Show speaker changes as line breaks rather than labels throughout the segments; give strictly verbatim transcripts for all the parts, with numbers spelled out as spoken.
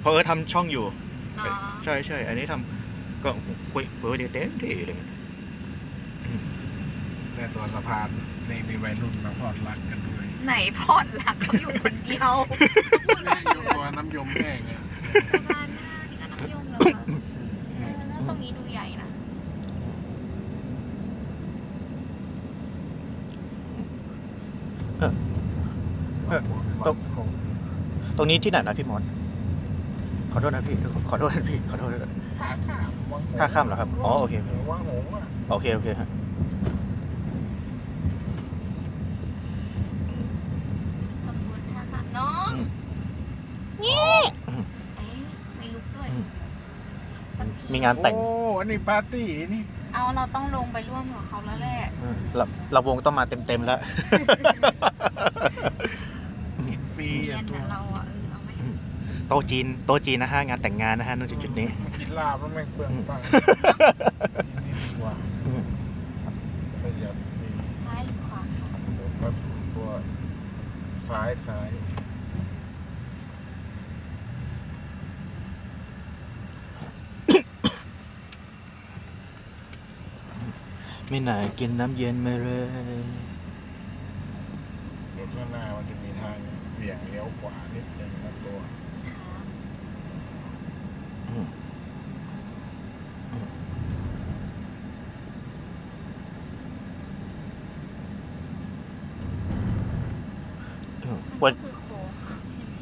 ราะเออทำช่องอยู่
เนาะ
ใช่ใช่อันนี้ทำก็คุยเปิดเต็มที่เลย
แต่ตัวสะพานในมีวัยรุ่นมาพอดรักกันด้วย
ไหนพอดหลักเขาอยู่คนเดียวพูดอะไร
ยกตัวน้ำยมแห้งเนี่ย
สะพานหน้านี่ก็น้ำยมแล้วค่ะเออแล้วตรงนี้ดูใหญ่นะ
เออ เออตรง ตรงนี้ที่ไหนนะพี่มอสขอโทษนะพี่ขอโทษนะพี่ขอโทษนะ
ท่าข้ามวังหงส์
ท่าข้ามเหรอครับอ๋อโอเค
วังหงส์อ่ะ
โอเคโอเคฮะ
ขบวนท่าค่ะน้องนี่เอ๊ะไม่ลุกด้วยสักที
มีงานแต่ง
โอ้อันนี้ปาร์ตี้นี่
เอาเราต้องลงไปร่วมกับเขาแล้วแหละ
เราเราวงต้องมาเต็มเต็มๆแล้ว
กินฟรี
เรีย
อ่ะ
น
ตัว
อะเราอ่ะเออเอาไหม
โต๊ะจีนโต๊ะจีนนะฮะงานแต่งงานนะฮะณจุดๆนี้
กินลาบแล้วแม่งเปลืองตังค์นี่ดีกว่าประหยัดดี
ซ้ายหรือขวาค่ะ
เดี๋ยวก็ตัวซ้ายซ้าย
ไม่น่ากินน้ำเย็นมาเลย
รถข้างหน้ามันจะมีทางเบี่ยงเลี้ยวขวานิดนึงนะตัว
ครับ
อืมอืมอืม
มัน
วัน
ก็คือโค้งค่ะใช่ไหม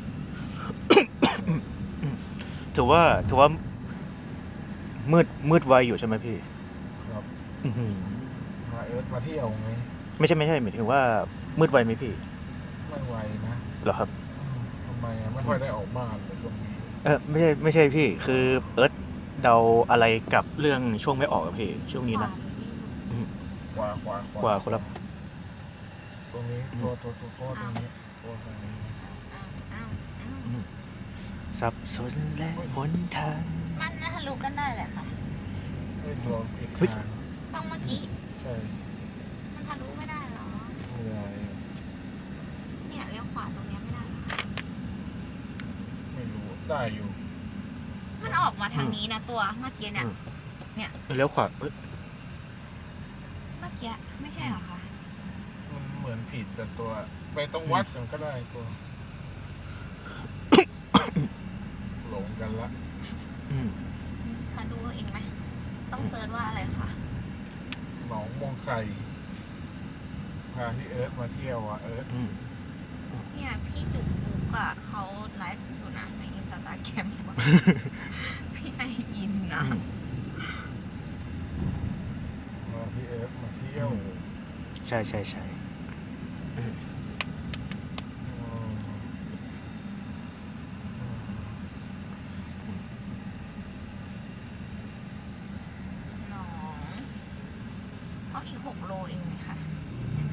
ถือว่าถือว่า มืดมืดไวอยู่ใช่ไหมพี่
ครับ
อื้อหือ
พาเอิร์ธมาเที่ยวไง
ไม่ใช่ไม่ใช่หมายถึงว่า มืดไวไหมพี่
ไม่ไหวนะ
เหรอครับ
อืมทำไมอะไม่ค่อยได้ออกบ้านเลยช่วงนี้
เออไม่ใช่ไม่ใช่พี่ คือเอิร์ธเดาอะไรกับเรื่องช่วงไม่ออกอะพี่ช่วงนี้นะ
ขวาหรือนี่
ขวาขวาขวาก
ว่าคนละ
ตรงนี้ตัวตัวตัวตัวตรงนี้ตัวตรงนี้
อ้าวอ้าวอ้าว
สับสนและหนทาง
มันนะทะลุกันได้แหละค่ะ
ไอ้ตัวผิด
เฮ้ย
ทาง
ต้องเมื่อกี้
ใช่
มันทะลุไม่ได้หรอ
ไม่ได้
เนี่ยเลี้ยวขวาตรงเนี้ยไม่ได้หรอ
ไม่รู้ได้อยู่
มันออกมาทางนี้นะตัวเมื่อกี้เนี่ย
เลี้ยวขวาเอ้ย
เมื่อกี้ไม่ใช่เหรอคะ
มันเหมือนผิดแต่ตัว ไปตรงวัดกันก็ได้ตัว หลงกันละ
อืม
คะดูเองไหมต้องเซิร์ชว่าอะไรคะ
หนองมองไข่พาพี่เอิร์ธมาเที่ยวอ่ะเอิร์ธ
อืม
เนี่ยพี่จุกปุ๊กอะเขาไลฟ์อยู่นะในอินสตาแกรม พี่ไออินนะ
พาพี่เอิร์ธมาเที่ยว
ใช่ใช่ใช่
อืมอืม
หนองก็อีกหกโลเองไหมคะใช่ไหม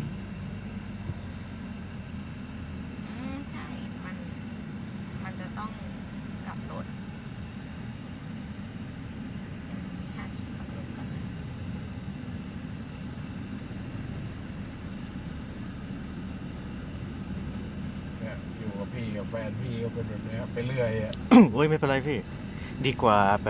อืมใช่ มัน มันจะต้องกลับรถหาที่ขับรถกันนะ
เนี่ยอยู่กับพี่กับแฟนพี่ก็เป็นแบบเนี้ยไปเรื่อยอ่ะ
โอ้ยไม่เป็นไรพี่ ดีกว่าแบบ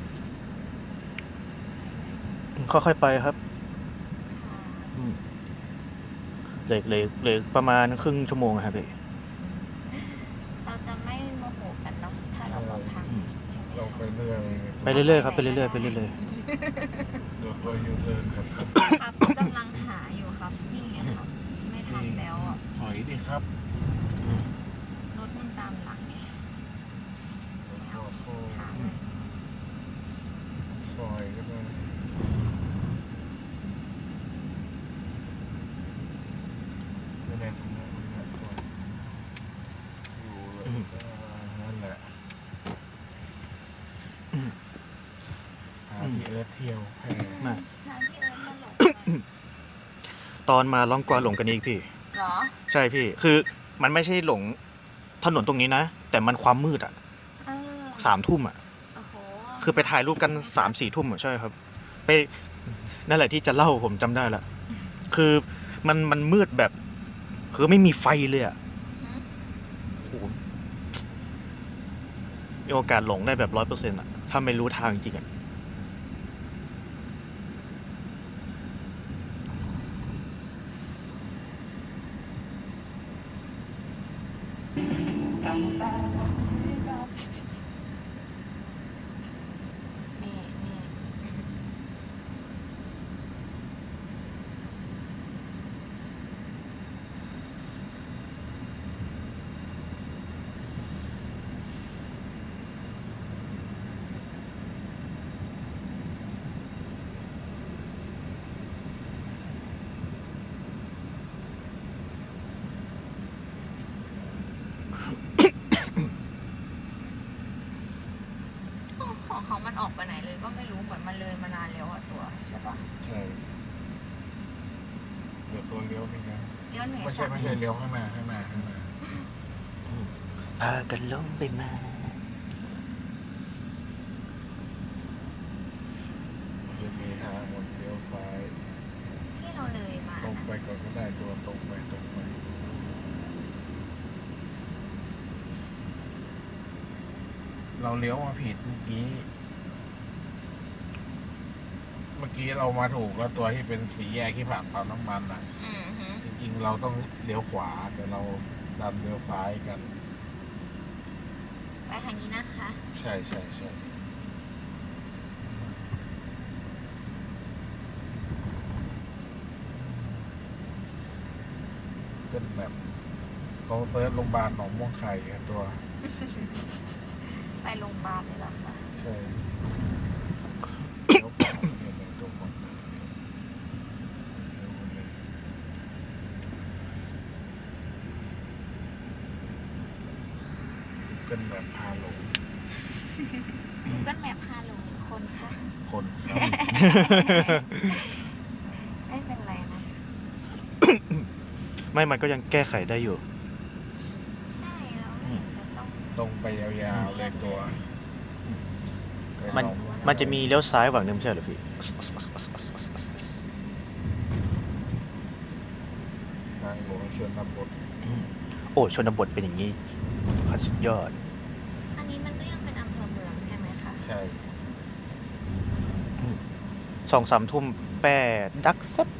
ค่อยๆไปครับ
ค่ะ
อืมเหลือเหลือเหลือประมาณครึ่งชั่วโมงอะครับพี่
เราจะไม่โมโหกันเนาะถ้าเราบอกทางผิดใช่ไหม
เราไปเรื่อย
ไปเรื่อยๆครับไปเรื่อยๆไปเรื่อย
เดี๋ยวตัวยูเทิร์นครับ
ครับกำลังหาอยู่ครับ นี่ไงครับ ไม่ทันแล้วอ่ะ
ถอยดิครับ
รถมันตามหลังไง
โอ้โห
หาเลย
ซอยก็ได้ไม่ได้ตรงนั้นนะตัวอยู่เลยนั่นแหละหาพี่เอิร์ธเที่ยวแพร่
ๆมา
ทางพี่เอิญมาหลง
ตอนมาล่องกวาหลงกันอีกพี่
เหรอ
ใช่พี่ คือมันไม่ใช่หลงถนนตรงนี้นะ แต่มันความมืดอ่ะ
เออ
สามทุ่มอ่ะ
โอ้โห
คือไปถ่ายรูปกันสามสี่ทุ่มอ่ะใช่ครับ ไปนั่นแหละที่จะเล่าผมจำได้ละคือมันมันมืดแบบ คือไม่มีไฟเลยอ่ะ
หืม
โอ้โหมีโอกาสหลงได้แบบร้อยเปอร์เซ็นต์อ่ะ ถ้าไม่รู้ทางจริงอ่ะ
นี่นี่ของเขามันออกไปไหนเลยก็ไม่รู้เหมือนมันเลยมานานแล้วอะตัวใช่ปะ
ใช่เดี๋ยวตัวเลี้ยวนี่นะ
เลี้ยวเหนือ
ไม่ใช่
จาก
ไม่ใช่เลี้ยวข้างหน้าข้างหน้าข้างหน้า
พากันหลงไปมา
จะมีทางหมดเลี้ยวซ้าย
ที่เราเลยมา
ตรง
นะ
ไปก่อนก็ได้ตัวตรงไปตรงไปเราเลี้ยวมาผิดเมื่อกี้ เมื่อกี้เรามาถูกแล้วตัวที่เป็นสีแยกที่ผ่านปั๊มน้ำมันอ่ะ
อือฮึ
จริงๆเราต้องเลี้ยวขวาแต่เราดันเลี้ยวซ้ายกัน
ไปทางนี้นะคะ
ใช่ใช่ใช่ก็แบบเขาเซิร์ชโรงพยาบาลหนองม่วงไข่กันตัว
ไปโรงพยาบาลเลยเหรอคะ
ใช่เลี้ยวขวาเนี่ยเป็นตัวฝั่งเลี้ยวเลยกันแบบพาหลง
กูเกิลแมพพาลงหนึ่งคนค่ะ
คนครับ
ไม่เป็นไรนะ
ไม่ มันก็ยังแก้ไขได้อยู่
ใช่แล้วไม่เห็นจะต้อง
ตรงไปยาวๆเลยตัว
มัน มันจะมีเลี้ยวซ้ายฝั่งนึงไม่ใช่เหรอพี่
ทางหลวงชนบท
โอ้ ชนบทเป็นอย่างนี้ขัดสุดยอด
อันนี้มันก็ยังเป็นอำเภอเมืองใช่ไหมคะ
ใช่
สองสามทุ่มแปดดักเซ็บ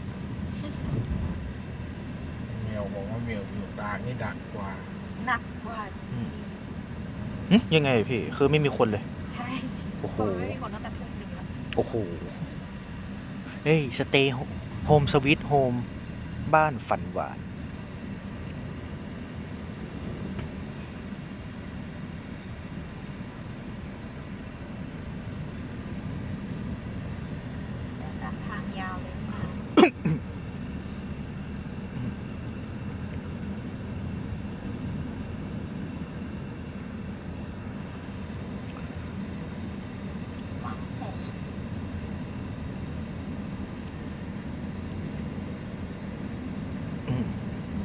เมียวบอกว่าเมียวอยู่ตากนี่ดักกว่า
หนักกว่าจริง
หึยังไงพี่ คือไม่มีคนเลย
ๆ ใช่
โอ้โห
ไม่มีคนตั้งแต่ทุ่มหนึ่งแล้ว
โอ้โห เฮ้ย สเตย์โฮมสวีทโฮม บ้านฝันหวาน
เดินตามทางยาวเลยค่ะวังหงส์
อืม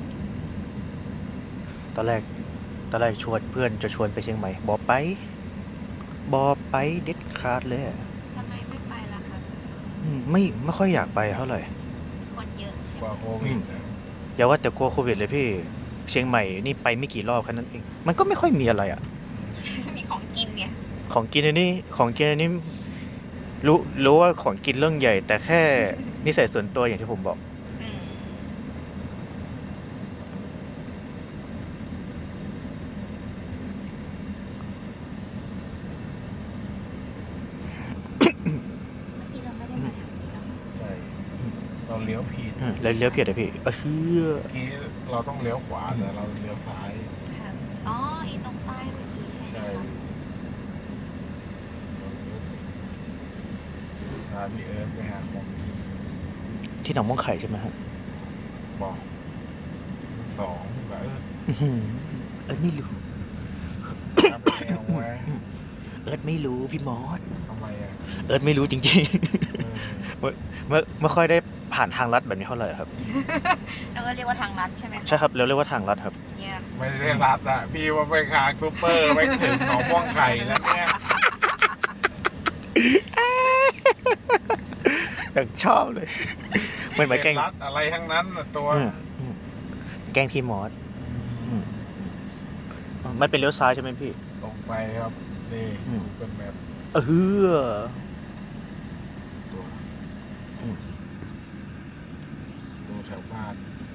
ตอนแรก ตอนแรกชวนเพื่อนจะชวนไปเชียงใหม่ บอไป บอไปเด็ดขาดเลยอะ
ทำไมไม่ไปล่ะคะ
อืมไม่ไม่ค่อยอยากไปเท่าไหร่
คนเยอะใช่
ก
ไหม
ว่าโควิดนะ
อย่าว่าแต่กลัวโควิดเลยพี่ เชียงใหม่นี่ไปไม่กี่รอบแค่นั้นเอง มันก็ไม่ค่อยมีอะไรอ่ะ
มีของกินเนี่ย
ของกินอันนี้ของกินอันนี้รู้รู้ว่าของกินเรื่องใหญ่ แต่แค่นิสัยส่วนตัวอย่างที่ผมบอก
อืมเมื่อกี้เราไม่ได้มาทางนี้หรอก
ใช่ เราเลี้ยวผิด
เออแล้วเลี้ยวผิดอะพี่เออเชื่อ
เมื่อกี้เราต้องเลี้ยวขวาแต่เราเลี้ยวซ้าย
ค่ะอ๋ออีตรงป้ายเมื่อกี้ใช่ไหม
ใช่
คะ
พาพี่เอิร์ธไปหาของกิน
ที่หนองม่วงไข่ใช่ไหมฮะ
บอกสองแบบเออ
อื้อหือเอิร์ธไม่รู้
ทำแนวไว้
เอิร์ธไม่รู้พี่มอส
ทำไมอ่ะ
เอิร์ธไม่รู้จริง
เออ
ๆ ไม่ไม่ค่อยได้ผ่านทางลัดแบบนี้เท่าไหร่ครับ
เราก็เรียกว่าทางลัดใช่ไหมคะ
ใช่ครับเราเรียกว่าทางลัดครับ
เยี่ยม
ไม่ได้รัดอ่ะ พี่ว่าไปคางซูเปอร์ไปถึงหนองม่วงไข่แล้วเนี่ย
อย่างชอบเลยเหมือนเหมือนแกล้ง
รัดอะไรทั้งนั้นน่ะตัว
อืมอืมแกล้งพี่มอสอืมมันเป็นเลี้ยวซ้ายใช่ไหมพี่
ตรงไปครับ
อ
นี่กูเกิลแมป
เออ
ตัว
อืม
ดูแถวบ้าน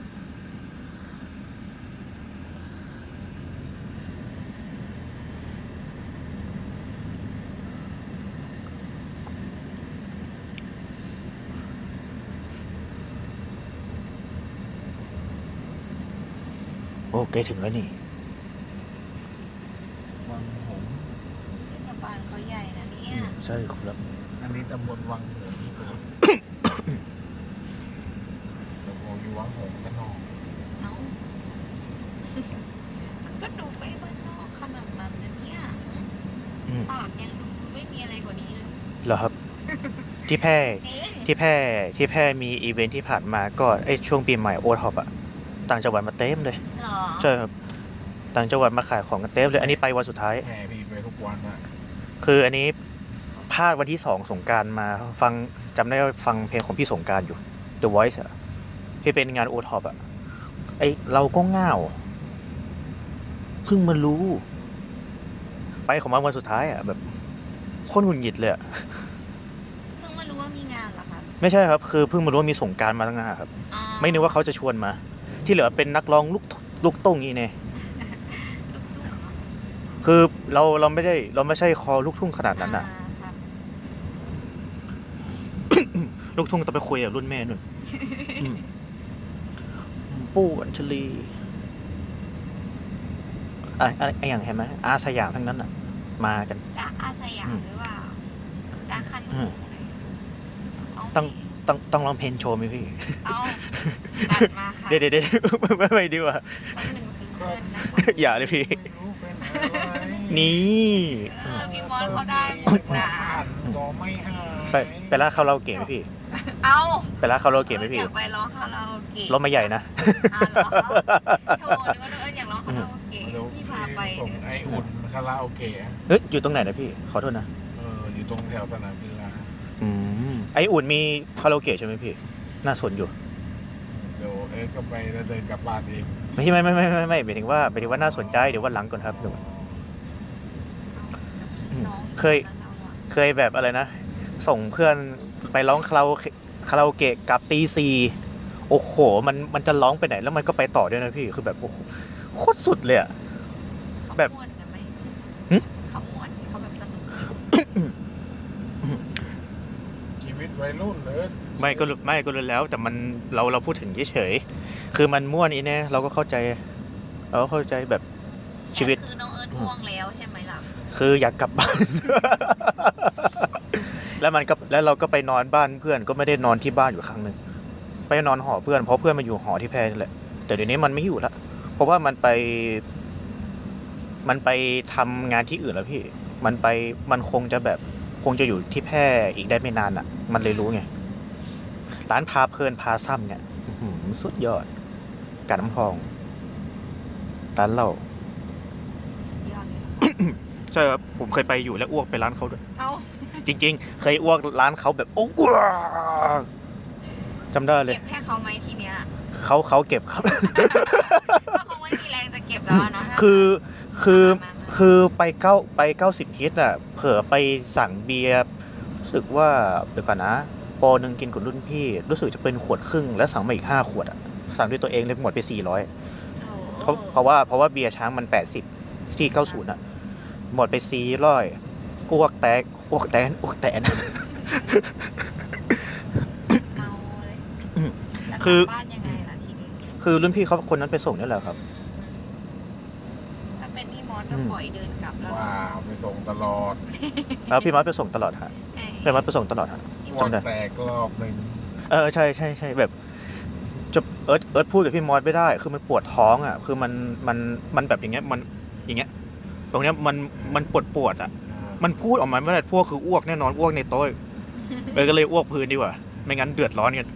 โอเคถึงแล้วนี่
วังหงส์
เทศบาลเขาใหญ่นะเนี่ย
ใช่ครับ
อันนี้ตำบลวังหงส์ครับแล้วก็อยู่วังหงส์กันนอง
เอ้า มันก็ดูไม่บ้านนอกขนาดนั้นนะเนี่ย
อืม
ตากยังดูไม่มีอะไรกว่านี้เลย
เหรอครับ ที่แพร่
จริง
ที่แพร่ที่แพร่มีอีเวนท์ที่ผ่านมาก็ไอช่วงปีใหม่โอท็อปอะต่างจังหวัดมาเต็มเลย
เหรอ
ใช่ครับต่างจังหวัดมาขายของกันเต็มเลย อันนี้ไปวันสุดท้าย
แม่พี่ไปทุกวันอะ
คืออันนี้พลาดวันที่สองสงกรารมาฟังจำได้ว่าฟังเพลงของพี่สงกรารอยู่ The Voice อะที่เป็นงานโอท็อปอะไอเราก็ง่าวเพิ่งมารู้ ไปของมันวันสุดท้ายอะแบบโคตรหงุดหงิดเลยอะ
เพิ่งมารู้ว่ามีงานเหรอครับ
ไม่ใช่ครับ คือเพิ่งมารู้ว่ามีสงกรารมาตั้งนานครับ
อ๋อ
ไม่นึกว่าเขาจะชวนมา ที่เหลือเป็นนักร้องลูกลูกตุ้งนี่เน่
ลูกทุ่งเหรอ
คือเราเราไม่ได้เราไม่ใช่คอลูกทุ่งขนาดนั้นอะ
อ่าครับ
ลูกทุ่งต้องไปคุยกับรุ่นแม่นุ่น อืมปู่อัญชลีอะไรอะไรอะไรอย่างเห็นไหมอาสยามทั้งนั้นอ่ะ มากัน
จ๊ะอาสยา
อื
ม
ม
หรือเปล่าจ๊ะคัน
อื
หู
ม
เอา
ต้องต้องต้องร้องเพลงโชว์ไหมพี่
เอาจัดมาค่ะ
เดี๋ยวเดี๋ยวเดี๋ยวไม่ไม่ดีกว่า
สักหนึ่งซิงเกิลนะคะ
อย่าเลยพี่
ไม่รู้เป็นอะไร
นี่
เออพี่มอนเขาได้หมดนะ
ก็ไม่หาย
ไปไปร้านคาราโอเกะไหมพี่
เอา
ไปร้านคาราโอเกะไหม
อ
พี่
ยากไปร้องคาราโอเกะ
รถไม่ใหญ่นะ
อ่าเหรอโทรนึกว่าเอออยากร้องคาราโอเกะ
เดี๋ยว
พี่พาไป
ส่ง
เดี๋ยว
ไออุ่นคาราโอเกะ
เฮ้ยอยู่ตรงไหนนะพี่ ขอโทษนะ
เอออยู่ตรงแถวสนามกีฬา
อืมไออุ่นมีคาราโอเกะใช่ไหมพี่ น่าสนอยู่
เดี๋ยวเอ๊ก็ไปแล้วเดินกลับบ้านเอง
ไม่ใช่ไม่ไม่ไม่ไม่ไม่หมายถึงว่าหมายถึงว่าน่าสนใจเดี๋ยววันหลังก่อนครับเดี๋ยว
จะทิ้งน้อง
เคย
แล้วเราอะ
เคยแบบอะไรนะ ส่งเพื่อนไปร้องคาราโอเกะคาราโอเกะกลับตีสี่โอ้โห มันมันจะร้องไปไหนแล้วมันก็ไปต่อด้วยนะพี่คือแบบโอ้โหโคตรสุดเลยอะ
เขา
แบบ
ม่วนนะไหม
หึ
เขาม่วนเขาแบบสนุก
ชีวิตวัยรุ่นเลย
ไม่ก็รู้ไม่ก็รู้แล้ว แต่มันเราเราพูดถึงเฉยๆคือมันม่วนอีแน่เราก็เข้าใจ เราก็เข้าใจแบบชีวิต
แต่คือน้องเอิร์ธห่วงแล้วใช่ไหมล่ะ
คืออยากกลับบ้าน แล้วมันก็แล้วเราก็ไปนอนบ้านเพื่อนก็ไม่ได้นอนที่บ้านอยู่ครั้งหนึ่งไปนอนหอเพื่อนเพราะเพื่อนมาอยู่หอที่แพร่นี่แหละแต่เดี๋ยวนี้มันไม่อยู่ละเพราะว่ามันไป มันไปทำงานที่อื่นแล้วพี่ มันไปมันคงจะแบบคงจะอยู่ที่แพร่อีกได้ไม่นานอ่ะ มันเลยรู้ไงร้านพาเพลินพาซ้ำเนี่ยอื้อหือสุดยอดกาดน้ำทองร้านเหล้า
สุดยอดเลยนะ
ใช่ครับผมเคยไปอยู่แล้วอ้วกไปร้านเขาด้วย
เอา
จริงๆ เคยอ้วกร้านเขาแบบโอ้อ้วกจำได้เลย
เก็บให้เขาไหมทีเนี้ย
เขาเขาเก็บครับ
ถ้าเขาไม่มีแรงจะเก็บแล้วอะเนาะ
คือคือคือไปเก้าไปเก้าสิบฮิตอ่ะ เผลอไปสั่งเบียร์รู้สึกว่าเดี๋ยวก่อนนะปอหนึ่งกินกับรุ่นพี่ รู้สึกจะเป็นขวดครึ่งแล้วสั่งมาอีกห้าขวดอ่ะสั่งด้วยตัวเองเลยหมดไปสี่ร้อย
โอ้
เพราะเพราะว่าเพราะว่าเบียร์ช้างมันแปดสิบที่เก้าสิบอ่ะ หมดไปสี่ร้อยอ้วกแตกอ้วกแตนอ้วกแตน
เกาเลย
อืม
แล้ว
คือ
กลับบ้านยังไงล่ะทีนี้
คือรุ่นพี่เขาคนนั้นไปส่งนี่แหละครับ
ถ้าเป็นพี่มอสก็
อืม
ปล่อยเดินกลับแล้ว
ว้าวไปส่งตลอด
แล้วพี่มัดไปส่งตลอดฮะ
เอ้ย
พี่มัดไปส่งตลอดฮะ
วอ
จำได้
แตกรอบหนึ่ง
เออใช่ใช่ใช่แบบจะเอิร์ธเอิร์ธพูดกับพี่มอสไม่ได้ คือมันปวดท้องอ่ะ คือมันมันมันแบบอย่างเงี้ยมันอย่างเงี้ยตรงเนี้ยมันมันปวดปวดอ่ะ มันพูดออกมาไม่ได้พวกคืออ้วกแน่นอนอ้วกในโต๊ะเออก็เลยอ้วกพื้นดีกว่า ไม่งั้นเดือดร้อนกัน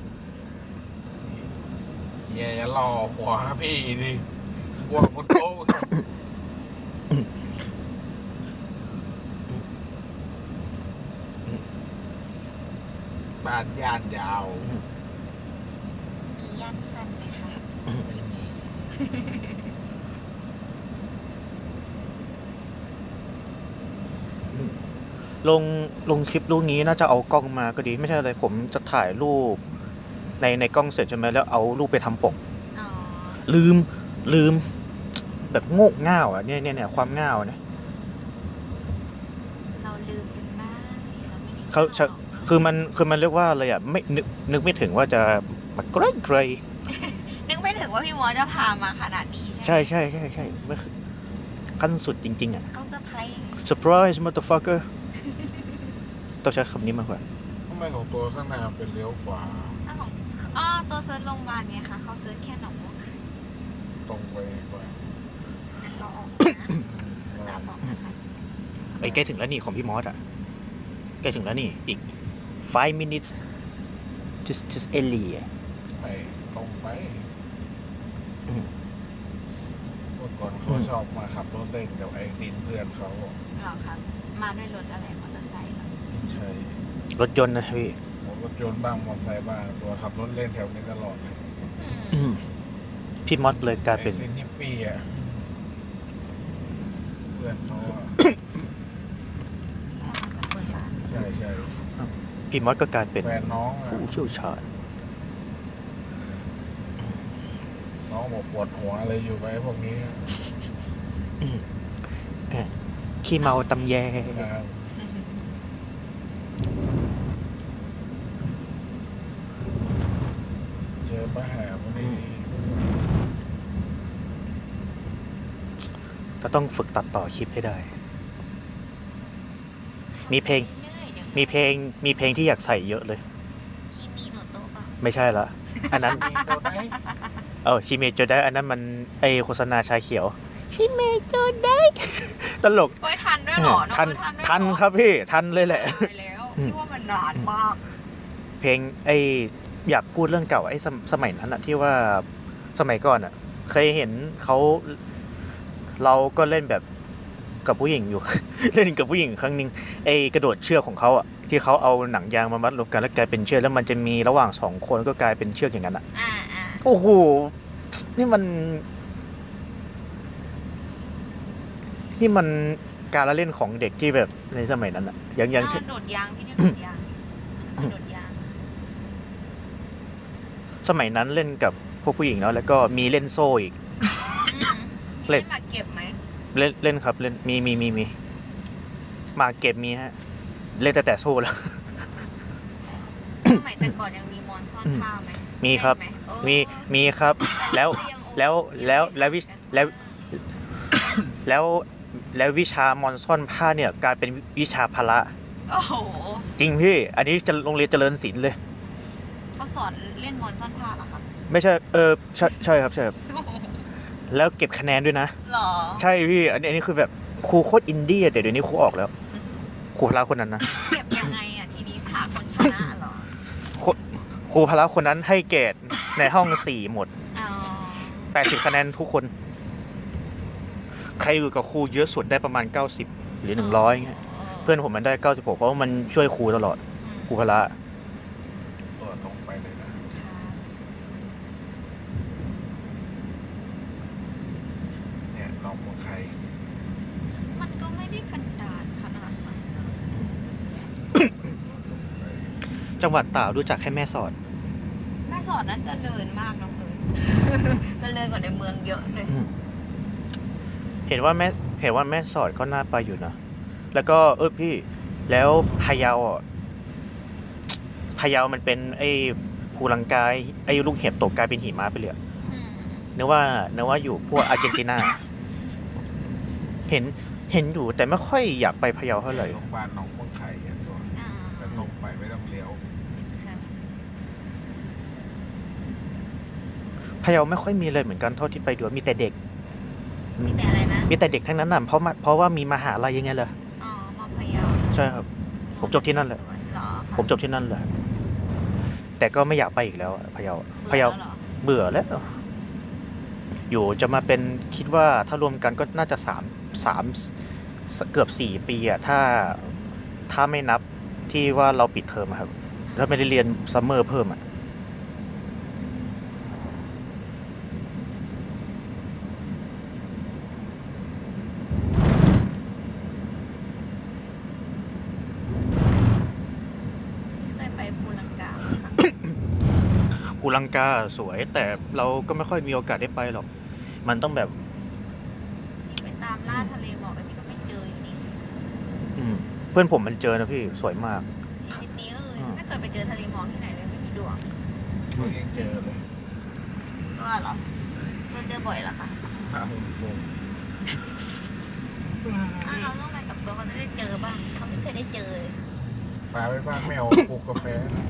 เฮียอย่ารอหัวพี่ดิกลัวคนโตบ้านย่านยาว
มียันสั้นไหมคะ
ไม่มี
ลงลงคลิปลูกนี้น่าจะเอากล้องมาก็ดีไม่ใช่อะไรผมจะถ่ายรูปในในกล้องเสร็จใช่ไหมแล้วเอารูปไปทำปก
อ๋อ
ลืมลืม แบบโง่เง่าอ่ะเนี่ยเนี่ยเนี่ยความเง่าเนี่ย
เราลืมกันได้เราไม่ได้
เขา
ชอบ
คือมันคือมันเรียกว่าอะไรอ่ะไม่นึกนึกไม่ถึงว่าจะมาไกลไกล
นึกไม่ถึงว่าพี่มอสจะพามาขนาดนี้ใช่ไหม
ใช่ใช่ใช่ใช่ไม่คือขั้นสุดจริง ๆ อ่ะ
เขาเซอร์ไพรส์
surprise motherfucker ต้องใช้คำนี้มากกว่า
ทำไมของตัวข้างหน้าเป็นเลี้ยวขวา
ถ้าของอ๋อตัวเซิร์ชโรงพยาบาลไงคะเขาเซิร์ชแค่หนองบัวไข่
ตรงไปกว่า
งั้นเราออกนะจะบอกนะคะ
ไอ้ยใกล้ถึงแล้วนี่ของพี่มอสอ่ะใกล้ถึงแล้วนี่อีก five minutes just just early
ไปตรงไป
อืม
เมื่อก่อนเขาชอบมาขับรถเล่นกับไอซินเพื่อนเขา
เหรอครับมาด้วยรถอะไรมอเตอร์ไซค์เหรอ
ใช่
รถยนต์นะพี่
รถยนต์บ้างมอเตอร์ไซค์บ้างตัวขับรถเล่นแถวนี้ตลอดเลย
อืม
อืมพี่มอสเลยกลาย
ไอ
เป็น
ซินฮิปปี้อ่ะเพื่อนเขาอะ
ที่เราจะเปิดร้าน
ใช่ใช่
พี่มอสก็กลายเป็น
แฟนน้องอะ
ผู้เชี่ยวชาญ
น้องบอกปวดหัวอะไรอยู่กับไอ้พวกนี้
ขี้เมาตำแย
นะครับเจอปัญหาพวกนี้
จะต้องฝึกตัดต่อคลิปให้ได้ มีเพลง มีเพลงมีเพลงที่อยากใส่เยอะเลย
คีมีโนโตะเปล่า
ไม่ใช่ละอันนั้น
มีตัวไหน
เออชิเมโจได้อันนั้นมันไอโฆษณาชาเขียวชิเมโจได้ ตลก
เฮ้ยทันด้วยเหรอ
ทัน
องเอิร์ธ
ทัน
ด้วยเหอ
ครับพี่ทันเลยแหละ
ตายแล้วพี่ว่ามันนานมาก
เพลงไออยากพูดเรื่องเก่าไอสมสมัยนั้นอะที่ว่าสมัยก่อนอะเคยเห็นเขาเราก็เล่นแบบกับผู้หญิงอยู่ เล่นกับผู้หญิงครั้งหนึ่งไอกระโดดเชือกของเขาอะที่เขาเอาหนังยางมามัดรวมกันแล้วกลายเป็นเชือกแล้วมันจะมีระหว่างสองคนก็กลายเป็นเชือกอย่างนั้นอะ
อ่าอ่า
โอ้โหนี่มัน นี่มันการละเล่นของเด็กที่แบบในสมัยนั้นอะยังยัง
อ่าโดดยางพี่เรียกโดดยางโดดยาง
สมัยนั้นเล่นกับพวกผู้หญิงเนาะแล้วก็มีเล่นโซ่อีก
อืม
เล่น
มีหมากเก็บไหม
เล่นเล่นครับเล่นมีมีมีมีหมากเก็บมีฮะ เล่นแต่แต่โซ่แล้ว
สมัยแต่ก่อนยังมีมอนซ่อนผ้าไหม
มีครับ
เล่นไหเออ
มีมีครับ แล้ว
ยังโอเค
แล้วแล้วแล้ววิแล้ว แล้วแล้ววิชามอนซ่อนผ้าเนี่ยกลายเป็นวิชาพละ
โอ้โห
จริงพี่ อันนี้จะโรงเรียนเจริญศิลป์เลย
เขาสอนเล่นมอนซ่อนผ้าเหรอครับ
ไม่ใช่เออใช่ใช่ครับใช่ครับแล้วเก็บคะแนนด้วยนะ
หรอ
ใช่พี่ อันนี้อันนี้คือแบบครูโคตรอินดี้อะแต่เดี๋ยวนี้ครูออกแล้วครูพละคนนั้นนะ
เก็บยังไงอ่ะทีนี้หาคนชนะเหรอ
ครูครูพละคนนั้นให้เกรดในห้องสี่หมด
อ๋อ
แปดสิบคะแนนทุกคน ใครอยู่กับครูเยอะสุดได้ประมาณเก้าสิบหรือหนึ่งร้อยเงี้ยเพื่อนผมมันได้เก้าสิบหกเพราะว่ามันช่วยครูตลอด
อืม
ครูพละ
ตัวตรงไปเลยนะ
ค่ะ
เนี่ยน้องของใคร
มันก็ไม่ได้กันดารขนาดนั้นนะ
ไป
จังหวัดตากรู้จักแค่แม่สอด
แม่สอดนั้นเจริญมากน้องเอิญ เจริญกว่าในเมืองเยอะเลย
เห็นว่าแม่เห็นว่าแม่สอดก็น่าไปอยู่นะ แล้วก็เออพี่ แล้วพะเยาอ่ะพะเยามันเป็นไอ้ภูลังกายไอ้ลูกเห็บตกกลายเป็นหิมะไปเลยอะ
อืม
นึกว่านึกว่าอยู่พวกอาร์เจนตินา เห็นเห็นอยู่แต่ไม่ค่อยอยากไปพะเยาเท่าไหร่
โรงพยาบาลหนองบัวไข่อ่ะตัว
อ่า
แต่ลงไปไม่ต้องเลี้ยว
ค่ะ
พะเยาไม่ค่อยมีเลยเหมือนกันเท่าที่ไปดูมีแต่เด็ก
มีแต่อะไรนะ
มีแต่เด็กทั้งนั้นน่ะเพราะมาเพราะว่ามีมหาลัยยังไงล่ะ
อ๋อมอพะเยา
ใช่ครับ ผมจบที่นั่นแหละ
สวนเหรอคะ
ผมจบที่นั่นเลยแต่ก็ไม่อยากไปอีกแล้วอะพะเยาพะเยา
บื่อแล้วหรอ
เบื่อแล้ว อยู่จะมาเป็นคิดว่าถ้ารวมกันก็น่าจะสามสามเกือบสี่ปีอะถ้าถ้าไม่นับที่ว่าเราปิดเทอมอะครับ แล้วไม่ได้เรียนซัมเมอร์เพิ่มอะภูลังกาสวย แต่เราก็ไม่ค่อยมีโอกาสได้ไปหรอก มันต้องแบบ
พี่ไปตามล่าทะเลหมอกแต่พี่ก็ไม่เจออยู่ดี
อืมเพื่อนผมมันเจอนะพี่สวยมาก
ชีวิตนี้เออ
อืม
ไม่เคยไปเจอทะเลหมอกที่ไหนเลยไม่มีดวง
เพิ่งยังเจอเลย
ก็เหรอตัวเจอบ่อยเหรอคะ
มาหุ่นโป่ง
ถ้าเขาต้องไปกับตัวเขาจะได้เจอบ้างเขาไม่เคยได้เจอเลย
ปลาไปบ้านแมวปลูกกาแฟ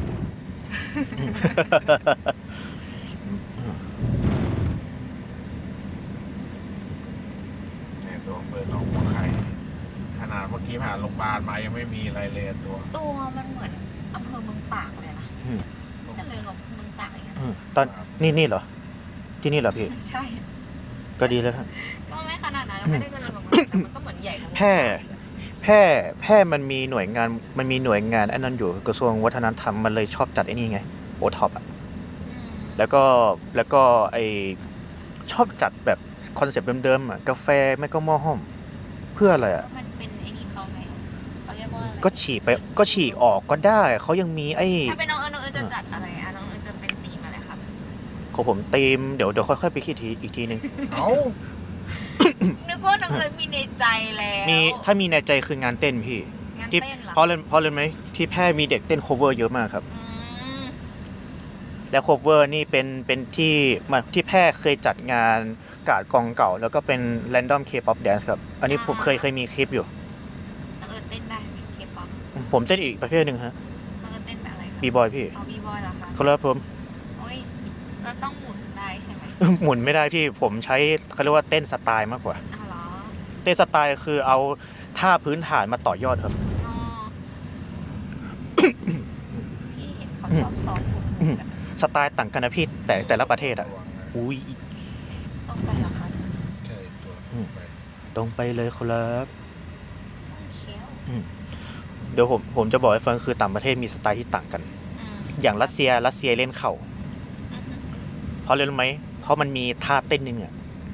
เนี่ยตัวเปิดออกมาไข่ขนาดเมื่อกี้ผ่านโรงพยาบาลมายังไม่มีอะไรเลยตัว
ตัวมันเหมือนอำเภอเมืองตากเลยนะ
อืม
จะเลยกับเมืองตากอย่างเงี้ย
อืมตอนนี่นี่เหรอ ที่นี่เหรอพี่
ใช่
ก็ดีแล้วครับ
ก็ไม่ขนาดนั้นไม่ได้เจริญกับเมืองแต่มันก็เหมือนใหญ่กว่าเมือง
แพร่
ตากอีกอะ
แพร่แพร่มันมีหน่วยงานมันมีหน่วยงานไอ้นั่นอยู่กระทรวงวัฒนธรรมมันเลยชอบจัดไอ้นี่ไงโอท็อปอ่ะ
อืม
แล้วก็แล้วก็ไอชอบจัดแบบคอนเซปต์เดิมๆอ่ะกาแฟไม่ก็หม้อห้อม เพื่ออะไร
แล้
อ่ะ
วมันเป็นไอ้นี่เขาไหมเขาเรียกว่าอะไร
ก็ฉีกไปก็ฉีกออกก็ได้เขายังมีไอ้
ถ้าเป็นน้องเอิญน้องเอิญจะจัดอะไรอ่ะน้องเอิญจะเป็นธีมอะไรครับ
ของผมตีมเดี๋ยวเดี๋ยวค่อยๆไปคิดทีอีกทีหนึ่ง
เอ้า
นึกว่าน้องเอิญมีในใจแล้ว
มีถ้ามีในใจคืองานเต้นพี่
งาน
ที่
เต้นเหรอ
เพราะเลยเพราะเลยไหมที่แพร่มีเด็กเต้น cover เยอะมากครับ
อืม
และ cover นี่เป็นเป็นที่มาที่แพร่เคยจัดงานกาดกองเก่า แล้วก็เป็น random K-pop dance ครับ อันนี้ผมเคยเคยมีคลิปอยู่
น้องเอิญเต้นได้ไหมเคป๊อป
ผมเต้นอีกประเภทหนึ่งฮะ
น้องเอิญเต้นแบบอะไรครับ
บีบอยพี่
เอาบีบอยเหรอคะ
ครับผม
โอ้ยจะต้องหมุนได้ใช่ไหม
หมุนไม่ได้พี่ผมใช้เขาเรียกว่าเต้นสไตล์มากกว่า
อ้าวเหรอ
เต้นสไตล์คือเอาท่าพื้นฐานมาต่อยอดครับ
อ๋อ พี่เห็นเขาชอบซ้อมหมุนหมุนกัน
สไตล์ต่างกันนะพี่แต่แต่ละประเทศอ่ะ
ระวังนะ
อุ้ย
ต้องไปเหรอคะ
ใช่ตัว
อืม
ไป
ตรงไปเลยครับ
ต้องเคี้ยว
เดี๋ยวผมผมจะบอกให้ฟังคือต่างประเทศมีสไตล์ที่ต่างกัน
อืม
อย่างรัสเซียรัสเซียเล่นเข่า
อือฮึ
เพราะอะไรรู้ไหมเพราะมันมีท่าเต้นนึงอ่ะ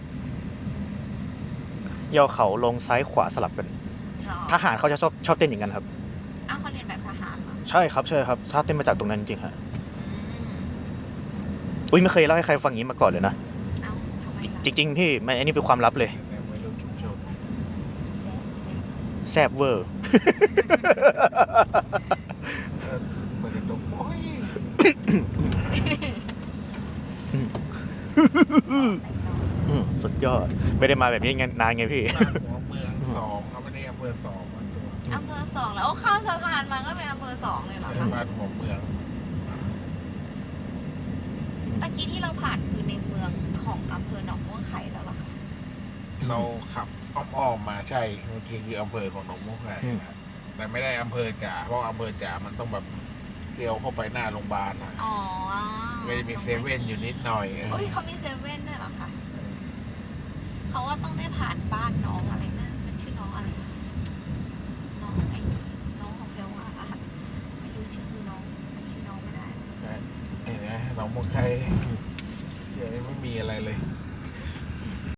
ย่อเข่าลงซ้ายขวาสลับกัน
เหรอ
ทหารเขาจะชอบชอบเต้นอย่างนั้นครับ
อ้าวเขาเรียนแบบทหารเหรอ
ใช่ครับใช่ครับท่าเต้นมาจากตรงนั้นจริงๆฮะ
อืม
อุ้ยไม่เคยเล่าให้ใครฟังอย่างนี้มาก่อนเลยนะ
เอ้าทำไมล่ะ
จริงๆพี่มันอันนี้เป็นความลับเลย
ในวัยรุ่นชุมชน
แซ่บแซ่บ
แซบเวอร์
เออเปิดกระจกโอ้ย
อืมสุดยอด ไม่ได้มาแบบนี้นานไงพี่
บ้านหัวเมืองสองครับไม่ได้อำเภอสองมาตัว
อำเภอสองแล้วโอ้ข้ามสะพานมาก็เป็นอำเภอสองเลยเหรอคะ
บ้านหัวเมือง
ตะกี้ที่เราผ่านคือในเมืองของอำเภอหนองม่วงไข่แล้วเหรอคะ
เราขับอ้อมๆมาใช่เมื่อกี้คืออำเภอของหนองมุกไง
อืม
แต่ไม่ได้อำเภอจ่าเพราะอำเภอจ่ามันต้องแบบเลี้ยวเข้าไปหน้าโรงพยาบาลนะ
อ๋อ
ไม่ได้มีเซเว่นอยู่นิดหน่อยเออ
เอ้ยเขามีเซเว่นด้วยเหรอคะเขาว่าต้องได้ผ่านบ้านน้องอะไรนะมันชื่อน้องอะไรนะน้องไอ้น้องของเพียวว่าอะไม่รู้ชื่อน้องจำชื่อน้องไม่ได้
เห็นไหมหนองมุกไข่
อ